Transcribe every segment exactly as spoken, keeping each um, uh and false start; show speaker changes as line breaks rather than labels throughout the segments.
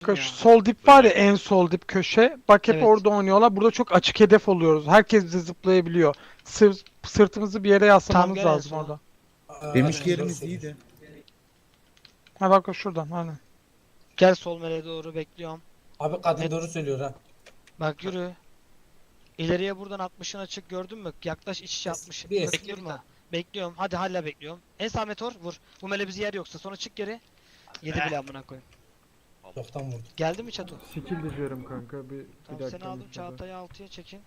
Kanka
ya.
şu sol dip var ya, en sol dip köşe. Bak hep
Evet.
orada oynuyorlar. Burada çok açık hedef oluyoruz. Herkes bize zıplayabiliyor. Sır, sırtımızı bir yere
Tam
yaslamamız
gel en
lazım
sola.
orada.
Aa,
Demiş
aynen,
ki
doğru
yerimiz
söylüyorsun.
iyiydi.
Ha bak şuradan hani.
Gel sol meleğe doğru bekliyorum.
Abi kadın
Evet.
doğru söylüyor ha.
Bak yürü. İleriye buradan altmışın açık gördün mü? Yaklaş iç içe
Es-
altmış.
bir es-
Bekle durma. Bekliyorum. Hadi hala bekliyorum. En sağ meteor vur. Bu mele bizi yer yoksa sonra çık geri. Yedi bile amına koyayım.
Çoktan vurdu.
Geldi mi çatı?
Skill diziyorum kanka bir, bir
Tamam
dakika.
seni aldım
müsaade.
Çağatay'ı altıya çekin.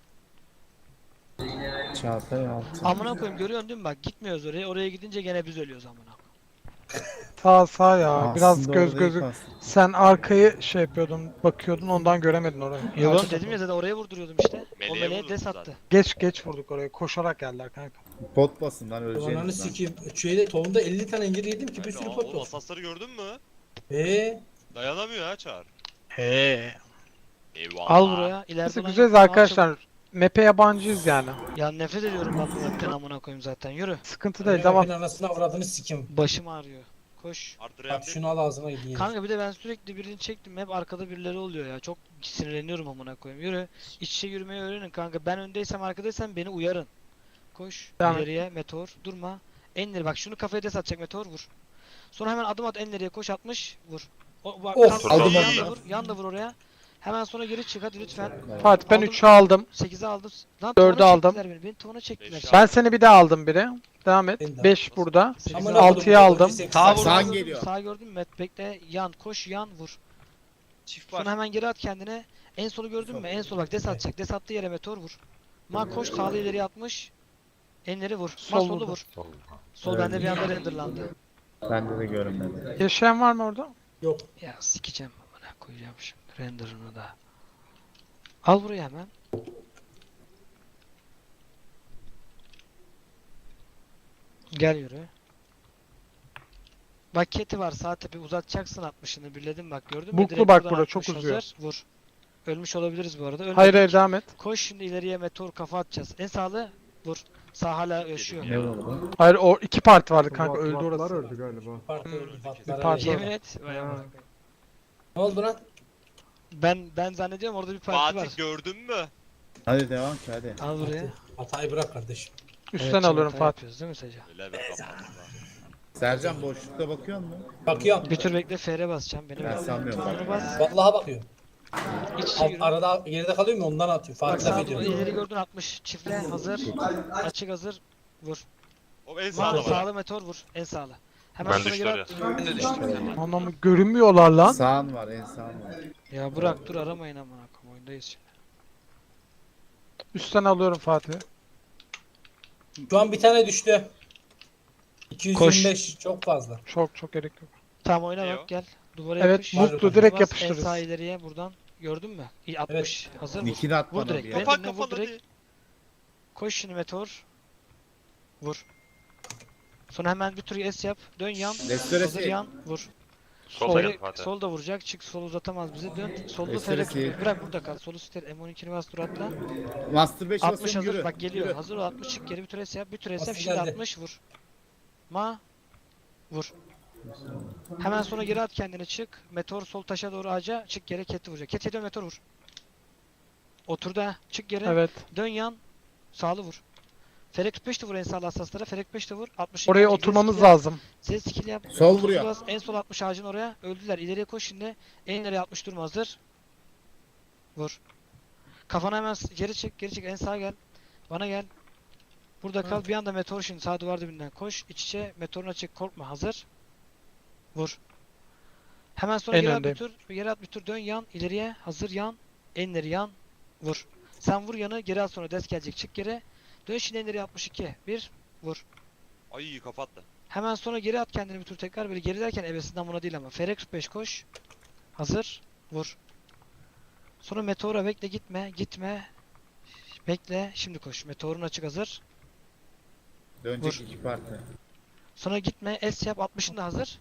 Çağatay altı.
Amına koyayım görüyorsun değil mi? Bak gitmiyoruz oraya. Oraya gidince gene biz ölüyoruz amına koyayım.
Sağ sağ ya. Biraz
Aslında
göz
orada iyi
gözü.
kastı.
Sen arkayı şey yapıyordun, bakıyordun, ondan göremedin orayı.
Yok
Arka
dedim ya zaten oraya vurduruyordum işte. O
Meleğe
meleğe
vurdun
des
zaten.
attı.
Geç geç vurduk oraya. Koşarak geldiler kanka.
Bot basın lan
Ananı
öleceğiniz lan.
sikeyim. Şeyde tohumda elli tane incir yedim ki bir
Kanka,
sürü
aa,
pot
oğlum
var.
asasları gördün mü?
Eee?
Dayanamıyor ha Çağrı.
He.
Eyvallah.
Al buraya. İleride
Neyse
olan
güzeliz
yok. Al
arkadaşlar. Map'e yabancıyız yani.
çabuk. Ya nefret ediyorum ben bu mapten amına koyayım zaten. Yürü.
Sıkıntı değil, devam.
Ben anasını avradını sikeyim.
Başım ağrıyor. Koş.
Artı
Bak
Rem'de
şunu al ağzına gideyim.
Kanka bir de ben sürekli birini çektim. Hep arkada birileri oluyor ya. Çok sinirleniyorum amına koyayım. Yürü. İç içe yürümeyi öğrenin kanka. Ben öndeysem arkadaysam beni uyarın. Koş.
Devam et.
İleriye meteor. Durma. En ileri bak şunu kafaya des atacak meteor vur. Sonra hemen adım at en ileriye koş atmış vur. O, bak,
Of,
kalk,
aldım
yan
onu.
da vur. Yan da vur oraya. Hemen sonra geri çık hadi lütfen.
Fatih ben
Aldım.
üçü aldım.
sekize aldım. Lan
Dördü
tavana
aldım.
çektiler beni. Beni tavana çektiler.
Beşi
Ben seni bir daha aldım biri. Devam et.
Ben de.
beş burada.
Sekize
Amına
aldım.
altıyı
koydum,
aldım.
sekiz-
Sağ vur.
Sağ
Sağ
gördün mü?
geliyor.
Sağ gördün mü? Met bekle yan koş yan vur.
çift var.
Sonra hemen geri at kendine. En solu gördün mü? En sol bak des atacak. Des attığı yere meteor vur. Ma koş sağlı ileri atmış. Enleri vur. Ma
Sol
solu
vurdu.
vur. Sol
Evet.
bende bir anda renderlandı.
Bende de görünmedi.
Yaşayan var mı orada?
Yok.
Ya sikeceğim amına koyacağım şimdi renderını da. Al buraya hemen. Gel yürü. Bak keti var sağ tepe uzatacaksın altmışını birledim bak gördün mü?
Buklu
Direkt
bak
buradan
burada, çok
altmış
uzuyor.
hazır, Vur. Ölmüş olabiliriz bu arada. Ölmedik.
Hayır hayır, devam et.
Koş şimdi ileriye meteor kafa atacağız. En sağlı vur. Sağ hala yaşıyor.
Ne oldu?
Hayır, o iki parti vardı kanka,
Vat-
öldü
vatlar
orası.
öldü galiba.
Parti
Hmm.
öldü.
Bir
Vatlar
parti
öldü.
Yemin et. Vay amına
Ha.
koyayım.
Ne oldu lan?
Ben ben zannediyorum orada bir parti var.
Fatih gördün mü?
Hadi devam ki hadi.
Al buraya.
Hatayı bırak kardeşim.
Üstten
Evet,
alıyorum
hata
Fatih.
yapıyoruz değil mi Seca?
Öyle bir kapattım.
Sercan boşlukta bakıyor musun?
Bakıyorum.
Bir tür bekle F R basacağım. Benim
Ben
bekle.
sanmıyorum.
Onu bas.
Vallahi bakıyorum.
İç içe
Al-
yürü.
Arada geride kalıyor mu ondan atıyor.
Bak
Fatih laf
sağ
ediyor.
ileri gördün altmış. Çiftle hazır. Açık hazır. Vur.
O en
Sağlı,
sağda var.
sağlı meteor vur. En sağlı. Hemen
Ben
sonra
düştü
geri
oraya.
at.
Ben de düştüm.
Anlamı görünmüyorlar lan.
Sağın var en sağın var.
Ya bırak dur aramayın amına koyayım oyundayız şimdi.
Üstten alıyorum Fatih.
Şu an bir tane düştü. iki yüz yirmi beş çok fazla.
Çok çok gerek yok.
Tamam oyna
Ne
bak
o?
gel. Duvara
Evet,
yapış.
mutlu direkt
Bas,
yapıştırırız.
En sağ ileriye buradan. Gördün mü? İyi altmış. Hazır vur.
Nikini at
Vur
bana
direkt.
bir
Ben-
ya.
Kapan
Vur
kapan
direkt.
hadi.
Koş şimdi meteor. Vur. Sonra hemen bir tur S yap. Dön yan.
Restoresi.
Hazır yan. Vur.
Solda
Sol,
geldi Fatih.
sol da vuracak. Çık sol uzatamaz bize. Dön. Solda
Restoresi.
ferek. Bırak burada kal. Solu ster. M on ikini bas dur atla.
Master beş
altmış
basıyorum
hazır.
yürü.
Bak geliyor.
Yürü.
Hazır ol. altmış çık geri bir tur S yap. Bir tur S yap.
Bastı
Şimdi
geldi.
altmış vur. Ma. Vur. Hemen sonra geri at kendini çık. Meteor sol taşa doğru ağaca. Çık geri keti vuracak. Keti dön meteor vur. Otur da. Çık geri.
Evet.
Dön yan. Sağlı vur. Ferek kırk beş de vur en sağlı hassaslara. Ferek kırk beş de vur. altmış
Oraya oturmamız lazım.
Ses skill yap.
Sol
Sol
vuruyor.
bas, en sol altmış ağacın oraya. Öldüler. İleriye koş şimdi. En ileriye altmış durma hazır. Vur. Kafana hemen s- geri çek. Geri çek. En sağa gel. Bana gel. Burada kal. Bir anda meteor şimdi sağ duvar dibinden koş. İç içe meteoruna çek. Korkma. Hazır. Vur. Hemen sonra
En
geri at bir
öndeyim.
tur. Geri at bir tur. Dön yan. İleriye. Hazır yan. En ileri yan. Vur. Sen vur yanı. Geri at sonra des gelecek. Çık geri. Dön şimdi en ileriye altmış iki. Bir. Vur.
Ay kapattı.
Hemen sonra geri at kendini bir tur tekrar böyle geri derken ebesinden buna değil ama. Ferek kırk beş koş. Hazır. Vur. Sonra meteora bekle gitme. Gitme. Bekle. Şimdi koş. Meteorun açık hazır.
Dönecek
Vur.
iki parti.
Sonra gitme. S yap. altmışın da hazır.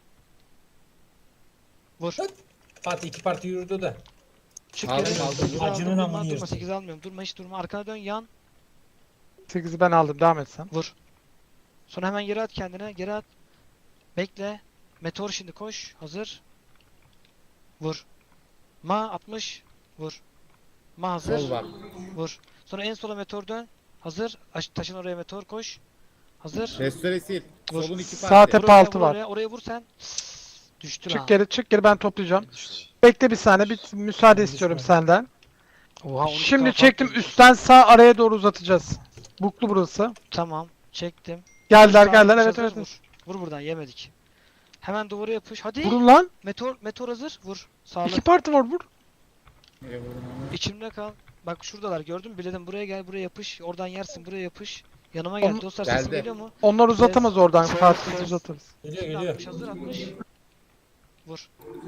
Vur.
Fatih iki parti yürüdü de.
Çık
Aldım,
geri.
aldım.
sekiz aldım,
Acının
durma,
amını
durma.
yersin.
sekiz almıyorum. Durma hiç durma. Arkana dön yan.
sekizi ben aldım, devam et sen.
Vur. Sonra hemen geri at kendine. Geri at. Bekle. Meteor şimdi koş. Hazır. Vur. Ma altmış. Vur. Ma hazır.
Sol var.
Vur. Sonra en sola meteor dön. Hazır. Aş- taşın oraya meteor koş. Hazır.
Restore sil.
Vur.
Solun iki
Sağ
parti.
tepe
Vur oraya,
altı
vur
var.
Oraya, oraya vur sen. Düştü lan.
Çık geri çık geri ben toplayacağım. Bekle bir saniye bir müsaade istiyorum senden.
Oha, on iki
Şimdi
kafa
çektim
atıyorsun.
üstten sağ araya doğru uzatacağız. Buklu burası.
Tamam. Çektim.
Geldiler
Vur,
geldiler
sağ
evet
yapış,
evet.
hazır, Vur. Vur buradan yemedik. Hemen duvara yapış. Hadi.
Vurun lan.
Meteor meteor hazır. Vur. Sağlı.
İki parti var vur.
Niye vurdun onu?
İçimde kal. Bak şuradalar gördün mü? Biledim buraya gel buraya yapış. Oradan yersin buraya yapış. Yanıma gel.
Onu-
Dostlar
Geldi.
sesim geliyor mu?
Onlar uzatamaz oradan.
Ses-
Fatih
ses-
uzatırız.
Geliyor
Şimdi
geliyor.
altmış hazır altmış. Vur.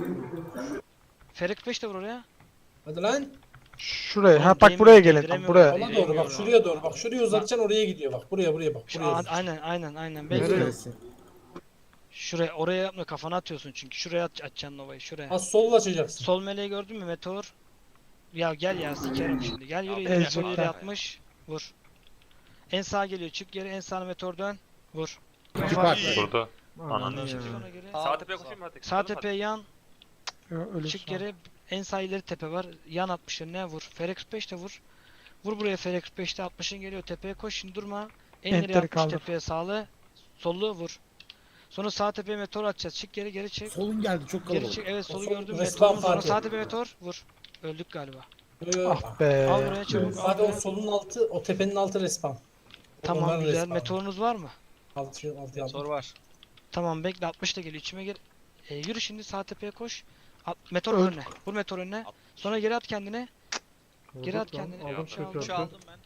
Ferik beş de vur oraya.
Hadi lan.
Şuraya.
Oğlum
Ha bak
değmiyor,
buraya gelin.
değdiremiyorum.
Buraya.
Sola doğru bak
Bilemiyorum.
şuraya doğru bak. Şuraya uzatacaksın oraya gidiyor bak. Buraya buraya bak.
Şu,
Buraya
a-
uzatacaksın.
aynen aynen aynen.
Nereye?
Bekle.
Restore sil.
Şuraya oraya yapma kafana atıyorsun çünkü. Şuraya at, atacaksın Nova'yı şuraya.
Ha solla açacaksın.
Sol meleği gördün mü meteor? Ya gel ya sikerim şimdi. Gel yürü
Ya,
ileri.
Ezecek
Sol ileri
ya.
atmış. Vur. En sağa geliyor. Çık geri. En sağına meteor dön. Vur.
İki
Kafa-
parti.
Burada.
Ananı
Çık
ya.
sonra geri.
Sağ tepeye koşayım mı hadi?
Sağ tepeye yan.
Yo, öyle
Çık
şu an.
geri. En sağ ileri tepe var. Yan altmışın ne vur. Ferex beş de vur. Vur buraya Ferex beşte altmışın geliyor. Tepeye koş şimdi durma. En ileri
Enteri
altmış
kaldır.
tepeye sağlı. Sollu vur. Sonra sağ tepeye meteor atacağız. Çık geri geri çık.
Solun geldi çok
Geri
kalabalık.
çık. Evet solu
Sol-
gördüm.
Resmen
Meteorun sonra
Fatih.
sağ tepeye meteor. Vur. Öldük galiba.
Yo, yo.
Ah be.
Al buraya çabuk. Al
Hadi o
buraya.
solun altı, o tepenin altı respawn.
Tamam
Onların
güzel.
respawn.
Meteorunuz var mı?
Altı, altı, altı.
Soru var.
Tamam bekle altmış da geliyor. İçime gir. E, yürü şimdi sağ tepeye koş. At, meteor
Öl.
önüne. Vur meteor önüne. Sonra geri at kendini. Geri at kendini.
Aldım,
Üç aldım.
Üç aldım ben.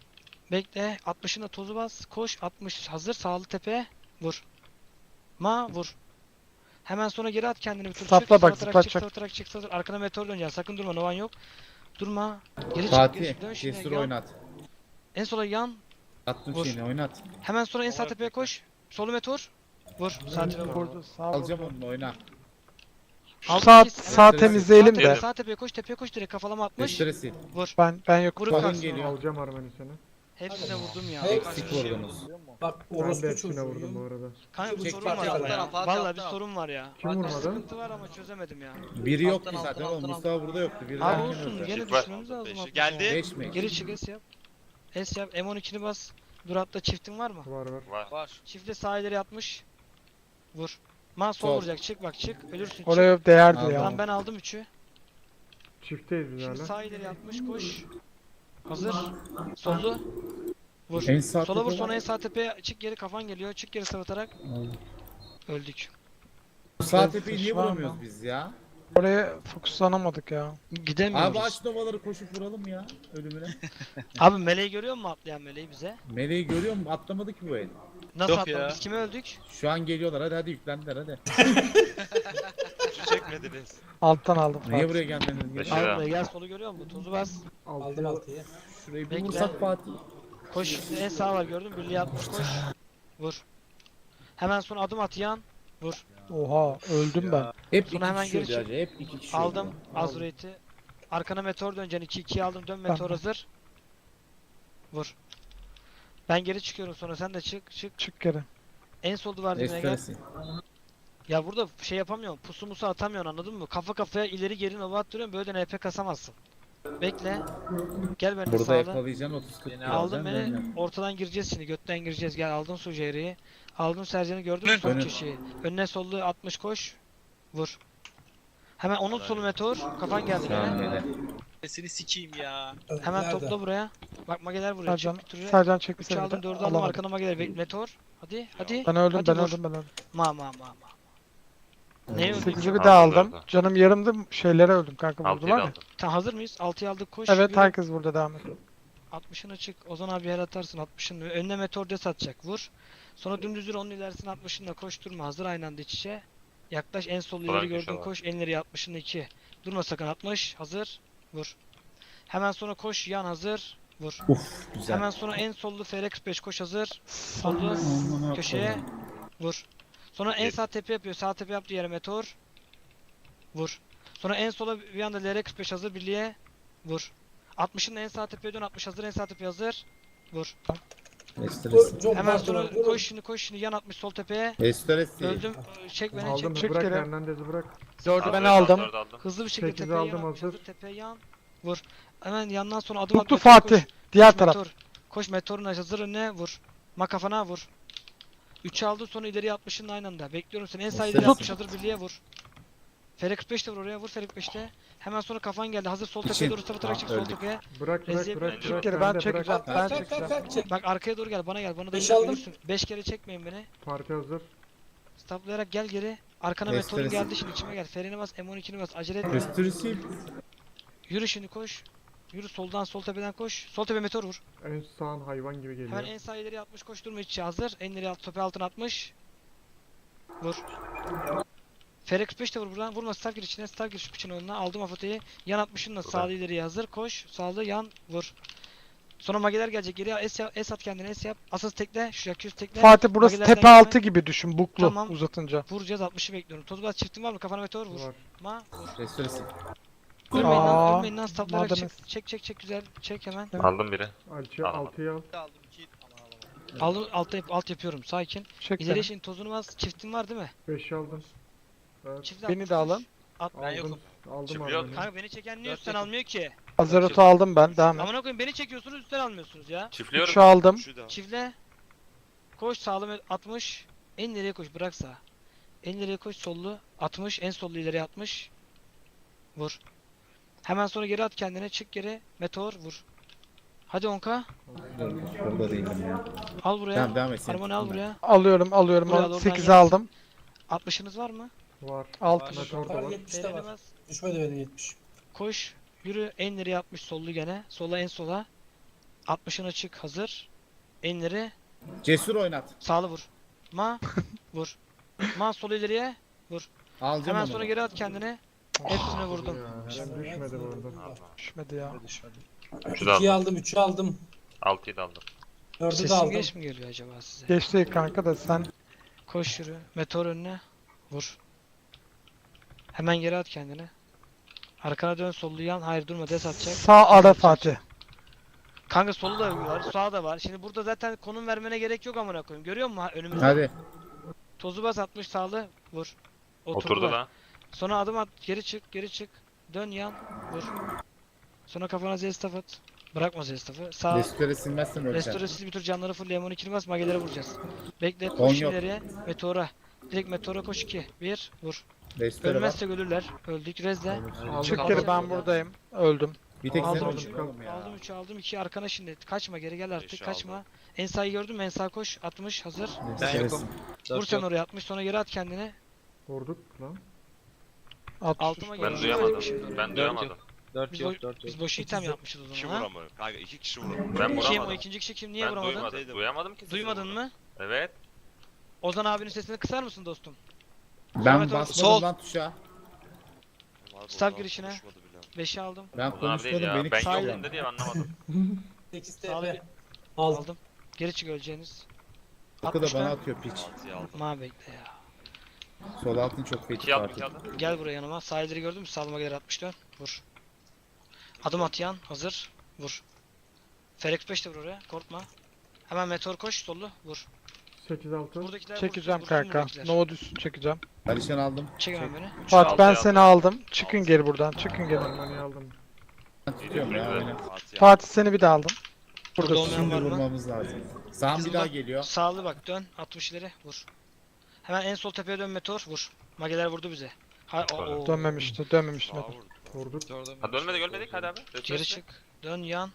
Bekle. altmışın da tozu bas. Koş. altmış hazır. Sağlı tepeye. Vur. Ma vur. Hemen sonra geri at kendini bir tur.
Sapla
çık.
bak,
Sağ tarak çık.
zıplatacak.
Sağ tarak çık. Sağ tarak. Arkana meteor döneceksin. Sakın durma. Novan yok. Durma. Geri çık. Geri
Fatih.
çık. Dön şimdi.
Cesur
Yan.
oynat.
En sola yan.
Attım
Vur.
şeyini oynat.
Hemen sonra en sağ tepeye koş. Solu meteor. Vur. Sağ tepeye vur.
Vurdu, sağ
Alacağım
vurdu.
onu oyna.
Şu
Aldım
sağ,
kes.
sağ
Hemen-
temizleyelim
Sağ
de.
tepeye, sağ tepeye koş. Tepeye koş direkt kafalama atmış.
Restore sil.
Vur.
Ben ben yok.
Vurup
Solun
kalksın.
geliyor.
Alacağım Armeni seni.
Hepsine vurdum ya.
Hey,
Eksik vurdunuz.
Bak
Ben de
orospu
hepsine vurdum bu
çocuğu.
arada.
Kanka bir
Çek
sorun
Fatih
var
alttan
ya.
al,
Fatih
Vallahi
alttan
bir
al.
sorun var ya.
Kim vurmadı?
Sıkıntı var ama çözemedim ya.
Biri yoktu
Alttan,
zaten
alttan,
oğlum.
alttan,
Mustafa burada yoktu. Biri
Abi
daha
olsun
kimdi?
gene
Çık ver.
düşmemiz lazım.
Beşi
altına.
geldi.
Beş mi?
Geri çık S yap. S yap. M on ikini bas. Dur hatta çiftin var mı?
Var var.
Var. Var.
Çiftle sağ ileri atmış. Vur. Man sol,
Sol.
vuracak. Çık bak çık. Ölürsün. Çık.
Oraya değerdi
Aldım.
ya.
Tamam ben aldım üçü.
Çiftteyiz biz
Şimdi
hala.
sağ ileri atmış. Koş. Hazır. Sollu. Vur.
En sağ
Sola vur
tepe
sonra
var.
en sağ tepeye çık geri kafan geliyor. Çık geri savatarak. Öldük.
Sağ tepeyi niye
Var mı?
vuramıyoruz biz ya?
Oraya fokuslanamadık ya.
Gidemiyoruz.
Abi aç novaları koşup vuralım ya ölümüne.
Abi meleği görüyor musun atlayan meleği bize?
Meleği görüyor musun? Atlamadı ki bu el.
Nasıl
Yok
atladı?
ya.
Biz kime öldük?
Şu an geliyorlar hadi hadi yüklendiler hadi.
Şu çekmediniz.
Alttan aldım.
Niye
Fatih.
buraya geldiniz?
Beş
Gel.
lira.
Al buraya gel solu görüyor musun? Tozu bas.
Aldım
Altıya
altıyı.
Şurayı bir
Bekle.
vursak Fatih.
Koş şimdi en sağ var gördün mü? Birliğe atmış koş. Vur. Hemen sonra adım at yan. Vur.
Oha öldüm ben.
Hep
Sonra
iki
hemen
kişi
geri
öldü
çık.
hacı, hep iki kişi
Aldım
öldü.
Azrate'i. Arkana meteor döneceksin. iki ikiye aldım. Dön meteor
Tamam.
hazır. Vur. Ben geri çıkıyorum sonra sen de çık çık.
Çık geri.
En sol duvar dibine gel.
Restoresi.
Ya burada şey yapamıyorum. Pusu musu atamıyorsun anladın mı? Kafa kafaya ileri geri nova attırıyorum. Böyle de N P kasamazsın. Bekle. Gel benimle
Burada
sağla.
yakalayacaksın otuz kırk.
Beni
Aldın beni. Ortadan gireceğiz şimdi. Götten gireceğiz. Gel aldın Sujeri'yi. Aldın Sercan'ı gördün mü sol
Önün.
köşeyi? Önüne sollu altmış koş. Vur. Hemen onun solu meteor. Kafan geldi gene.
Seni sikeyim ya.
Hemen
Nerede?
topla buraya. Bak mageler buraya.
Sercan,
Çık bir türlü.
Sercan çekti
üç
seni.
aldım
de.
dördü aldım
Alamadım.
arkana mageler. Bek- Meteor. Hadi hadi.
Ben öldüm
Hadi
ben
vur.
öldüm ben öldüm.
Ma ma ma ma. Ne öldü?
sekizi bir daha
Aldım,
aldım.
dördü.
Canım yarımdı şeylere öldüm kanka
Altıyı
vurdular
da
ya.
aldım.
Tamam hazır mıyız? altıyı aldık koş.
Evet
Yürü.
herkes burada devam et.
altmışını çık. Ozan abi her atarsın altmışını. Önüne meteor des atacak. Vur. Sonra dümdüz yürü onun ilerisine altmışınla koşturma. Hazır aynı anda iç içe. Yaklaş en sol
Ulan
ileri
köşe
gördün
var.
koş. En ileri altmışını iki. Durma sakın altmış. Hazır. Vur. Hemen sonra koş yan hazır. Vur.
Uf güzel.
Hemen sonra en sollu F R X beş koş hazır.
Sağ-
Sollu
Amına
köşeye.
koyayım.
Vur. Sonra en
Bir.
sağ tepe yapıyor. Sağ tepe yaptığı yere meteor. Vur. Sonra en sola bir anda L R X beş hazır birliğe. Vur. altmışın en sağ tepeye dön. altmış hazır. En sağ tepe hazır. Vur.
Restoresi.
Çok
Hemen
fazla
sonra
var. Vurun.
koş şimdi koş şimdi yan atmış sol tepeye.
Restoresi.
Öldüm. Çek beni
Aldım
çek.
çık
bırak
geri.
Hernandez'i bırak.
Dördü
Aldım,
ben aldım.
dördü aldım.
Hızlı bir şekilde
sekizi
tepeye
aldım,
yan atmış.
hazır.
Hazır tepeye yan. Vur. Hemen yandan sonra adım at.
Tuttu
meteor
Fatih.
koş.
Diğer
Koş
taraf.
meteor. Koş meteorun hazır önüne vur. Ma kafana vur. üçü aldı sonra ileriye altmışın aynı anda. Bekliyorum seni. En sağ ileri
Tut.
altmış hazır birliğe vur. Fere kırk beş de vur oraya vur Fere kırk beşte. Hemen sonra kafan geldi. Hazır sol tepeye
İçin.
doğru sapatarak
Ah,
çık sol
öldük.
tepeye.
Bırak bırak
Reziye
bırak.
bence
bırak,
Çık geri,
ben
ben
de
çekeceğim.
bırak.
Kalk,
Ben
kalk,
çekeceğim.
kalk, kalk, çek.
Bak arkaya doğru gel bana gel. Bana da
Beş
gel.
aldım.
beş kere çekmeyin beni.
Parti hazır.
Staplayarak gel geri. Arkana
Restoresi.
meteorun geldi şimdi içime gel. Ferine bas M on ikini bas. Acele etme.
Restoresi.
Yürü şimdi koş. Yürü soldan sol tepeden koş. Sol tepe meteor vur.
En sağın hayvan gibi geliyor.
Hemen en sağ ileri altmış koş durma içi hazır. En ileri alt topu altına atmış. Vur. F R kırk beş de vur buradan. Vurma staff gir içine. Staff gir şu piçin önüne. Aldım afoteyi. Yan altmışınla sağlı ileriye hazır. Koş. Sağlı yan vur. Sonra mageler gelecek geriye. S, yap, S at kendine S yap. Asıl tekle. Şu yakıyoruz tekle.
Fatih burası
Magelerden
tepe
gelme.
altı gibi düşün. Buklu
Tamam.
uzatınca.
Vuracağız altmışı bekliyorum. Tozbaz çiftin var mı? Kafana meteor vur.
Var.
Ma vur.
Restoresi.
Ölmeyin lan.
Aa,
Ölmeyin lan. Staplayarak
madem-
çek. Çek çek çek güzel. Çek hemen.
Aldım biri.
Alçı
Tamam.
altıyı al.
Aldım iki. Aman aman.
Aldım alt, yap, alt yapıyorum. Sakin.
Çek
İleriye
beni.
şimdi tozunu bas. Çiftin var değil mi?
beşi aldım. Evet.
Çiftle
Beni
altmış
de
koş.
alın.
At.
Ben yokum.
Aldım
Çiftliyor.
abi.
Kanka beni çeken niye
Dört
üstten
yakın.
almıyor ki?
Hazırlıtı aldım ben. Devam et.
Amına koyayım beni çekiyorsunuz üstten almıyorsunuz ya.
Çiftliyorum.
Şu aldım.
Şu da.
Çiftle. Koş sağlı altmış. En ileriye koş bırak sağ. En ileriye koş sollu altmış. En sollu ileriye altmış. Vur. Hemen sonra geri at kendine çık geri. Meteor vur. Hadi onka.
Burada değilim ya.
Al buraya.
Tamam devam et sen.
Harmoni al buraya.
Alıyorum alıyorum.
Buraya doğru
sekizi
ben
aldım.
altmışınız var mı?
Var.
altmış.
Meteor da
Var,
var.
yetmişte
Freni
var.
bas.
Düşmedi benim yetmiş.
Koş. Yürü. En ileriye altmış sollu gene. Sola en sola. altmışına çık hazır. Enleri
Cesur oynat.
sağlı vur. Ma vur. Ma sol ileriye.
Alacağım
Hemen
onu.
sonra geri at kendine. Hepsine vurdum.
Ya, ben düşmedi bu arada.
Düşmedi ya.
Üçü de
ikiyi
aldım.
aldım, üçü aldım.
Altıyı da aldım.
Dördü de
Sesim
aldım.
geç mi geliyor acaba size?
Geçti kanka da sen.
Koş yürü. Meteor önüne. Vur. Hemen geri at kendine. Arkana dön sollu yan. Hayır durma des atacak.
Sağ ara Fatih.
Kanka solu da var. Sağı da var. Şimdi burada zaten konum vermene gerek yok amına koyayım. Görüyor musun ha önümüzde?
Hadi.
Tozu bas atmış sağlı. Vur. Oturdu
Oturdu
var.
lan.
Sonra adım at. Geri çık. Geri çık. Dön yan. Vur. Sonra kafana zestaf at. Bırakma zestafı. Sağ.
Restore silmezsen öleceğim.
Restoresiz bir tur canları full lemon ikili bas magelere vuracağız. Bekle
On
koş
yok.
ileriye. Meteora. Direkt meteora koş iki. bir. Vur.
Restore var.
Ölmezsek ölürler. Öldük. Rezle.
Çık
Aldım.
geri ben buradayım. Öldüm.
Bir tek sen
Aldım
aldım,
üçü.
öldün oğlum ya.
Aldım üçü aldım iki arkana şimdi. Kaçma geri gel artık
Beşi
kaçma.
aldım.
En sağ'ı gördün mü? En sağ koş. altmış hazır.
Restore
yokum.
sil.
Vur sen oraya altmış sonra geri at kendini.
Vurduk lan.
altmış.
Altıma
Ben
geri
duyamadım.
Şimdi oraya.
Ben duyamadım.
Dört
Biz,
yok,
bo-
dört yok.
biz boş item yapmışız o
Kişi
zaman ha.
vuramıyor. Kanka iki kişi vuramıyor. Ben
Kim o
vuramadım.
ikinci kişi kim niye
Ben
vuramadın?
duymadım. Duyamadım ki. sizi
Duymadın
vurmadım.
mı?
Evet.
Ozan abinin sesini kısar mısın dostum?
Ben
Sonra
basmadım
sol.
lan tuşa.
Staff girişine. beşi aldım.
Ben
Ulan abi değil
konuşmadım
ya.
beni
Ben
Sağ-
yokum dedi ya anlamadım.
sekiz
Sağlı
T
bir
P. Aldım.
aldım. Geri çık öleceğiniz.
Bakı da
altmışta.
bana atıyor piç.
Altıyı aldım.
Ma bekle ya.
Sol altın çok feci
İki aldım
parti.
iki aldım.
Gel buraya yanıma. Sağ ileri gördün mü? Sağlıma gelir altmış dön. Vur. Adım at yan. Hazır. Vur. Ferex beş de vur oraya. Korkma. Hemen meteor koş. Sollu. Vur.
sekiz altı.
Buradakiler
Çekeceğim
vursun, vursun
kanka.
buradakiler.
Nova düşsün çekeceğim.
Alişan aldım.
Çek hemen beni.
Fatih ben
altıyı
seni aldım. Çıkın geri buradan. Çıkın geri.
Harmoniyi aldım.
Ben tutuyorum ya. Öyle.
Fatih seni bir daha aldım.
Burada
Buradasın.
olmayan
Şimdi
var mı?
vurmamız lazım. Sağım bir daha geliyor.
Sağlı bak dön. altmış ileri. Vur. Hemen en sol tepeye dön meteor. Vur. Mageler vurdu bize. Ha, o, o.
Dönmemişti. Dönmemişti.
Vurduk.
Hadi ölmedik ölmedik hadi abi.
Geri çık. Dön yan.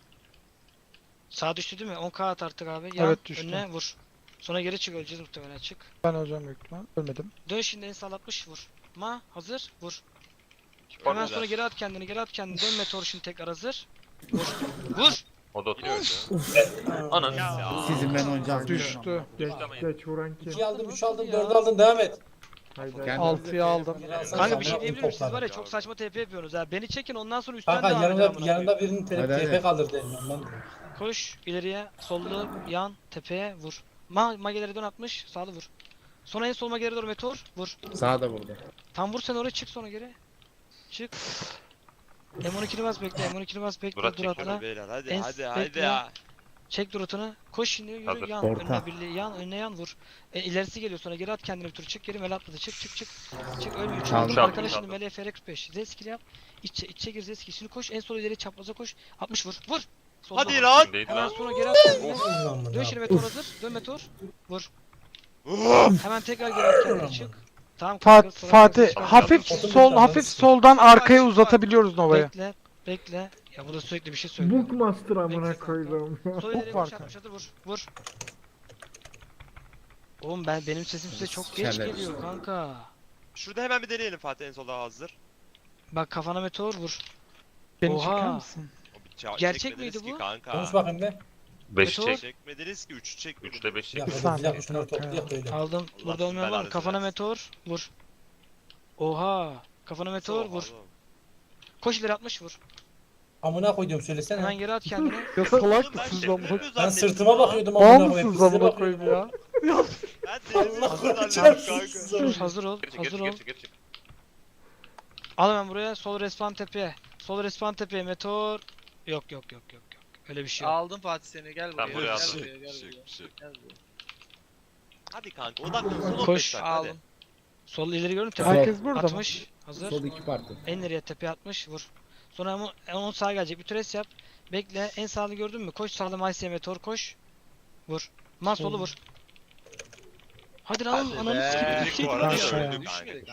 Sağ düştü değil mi? on K at artık abi. Yan.
Evet, düştü.
Önüne vur. Sonra geri çık öleceğiz muhtemelen çık.
Ben öleceğim büyük ihtimal. Ölmedim.
Dön şimdi en sağ altmış vur. Ma hazır vur. Hemen sonra geri at kendini geri at kendini. Dön meteor şimdi tekrar hazır. Vur. Vur.
O da oturuyor. Ananı ya.
Sizin ben oynayacağız.
Düştü.
Geç, geç vuran kim?
İkiyi aldım, üç aldım, dördü aldım. Devam et.
Haydi.
Kendi-
altıyı aldım.
Kanka bir şey diyebilir miyim? Siz var ya çok saçma T P yapıyorsunuz ha. Beni çekin ondan sonra üstten
Kanka
devam edin
yanında,
amına
yanında
koyayım.
birinin
Hadi,
T P
hadi.
kalır derim ben.
Koş ileriye sollu yan tepeye vur. Ma mageleri dön atmış sağlı vur. Sonra en sol magelere doğru meteor vur.
Sağa da vurdu.
Tam vur sen oraya çık sonra geri. Çık. M on ikini bas bekle M on ikini bas bekle
Murat
dur
çek
atla.
beyler
hadi, En- hadi, bekle. hadi ya. Çek durutunu. Koş şimdi yürü
Hazır.
yan
Orta.
önüne birliği yan önüne yan vur. E, ilerisi geliyor sonra geri at kendini bir tur çık geri mele atladı çık çık çık. Çık ölmüyor.
Çaldım,
Çaldım
çaldım,
arkadaş şimdi
çaldım.
mele F R X beş. Zeskili yap. İçe içe gir Zeski. Şimdi koş en sol ileri çapraza koş. altmış vur. Vur. Solda
Hadi
vur.
lan.
Kimdeydi
Hemen
lan?
sonra geri at kendini.
Ulan bu
Dön
ne
şimdi
yapıyor?
meteor hazır. Dön meteor. Vur. Hemen tekrar geri at kendini çık. Tamam.
Fat
kanka, sonra
Fatih
çıkar.
hafif
Otur bir
sol
tane.
hafif soldan arkaya uzatabiliyoruz Nova'yı.
Bekle. Bekle. Ya burada sürekli bir şey söylüyor.
Bookmaster amına
Bekle
koydum.
Sol ileriye
var
koş
kanka.
atmış hazır vur. Vur. Oğlum ben benim sesim size çok geç
Şerler
geliyor
işte.
kanka.
Şurada hemen bir deneyelim Fatih en solda hazır.
Bak kafana meteor vur.
Beni
Oha.
çeker misin?
O bir ça-
Gerçek
çekmediniz
miydi
ki
bu?
Kanka.
Konuş bakayım be.
beş
Meteor.
çek.
Çekmediniz ki üçü çekmediniz.
üçte beş
Bir
çek.
dakika,
Bir
bir
saniye,
dakika şunları
kanka.
toplayalım böyle.
Aldım.
Allah
Burada olmayan var mı?
belanızı
Kafana
versin.
meteor vur. Oha. Kafana meteor
Oha
vur.
oğlum.
Koş ileri atmış vur.
Amına koyduğum söylesene.
Hemen geri at kendini.
Ya salak
Oğlum ben
mısınız
şaka
amına?
yapıyor
Ben
zannettim
sırtıma
lan.
bakıyordum
Bağ
amına koyayım.
mısınız
Size
amına koyayım
bakıyorum.
ya?
Ben deli
Allah
misin
çarpsın
kanka.
sizi.
Dur hazır ol.
Geri çık, geri
Hazır
çık,
ol.
geri çık, geri çık.
Al hemen buraya. Sol respawn tepeye. Sol respawn tepeye meteor. Yok yok yok yok yok. Öyle bir şey yok.
Aldım Fatih seni gel buraya.
Ben buraya
gel
aldım.
buraya, gel
Şık,
buraya.
şık.
Gel buraya.
Hadi kanka odaklan son on
Koş.
beş dakika hadi.
Aldım.
Sol ileri gördün mü? Tepe
Herkes burada mı?
atmış. Hazır.
Sol iki parti.
En nereye tepeye atmış vur. Sonra onu, onun sağa gelecek bir tres yap. Bekle en sağını gördün mü? Koş sağda Maysiye meteor koş. Vur. Man solu vur. Hadi lan
Hadi
ananı
be.
sikeyim.
Bu arada
Aşağıya.
öldük kanka.
Düşmedik.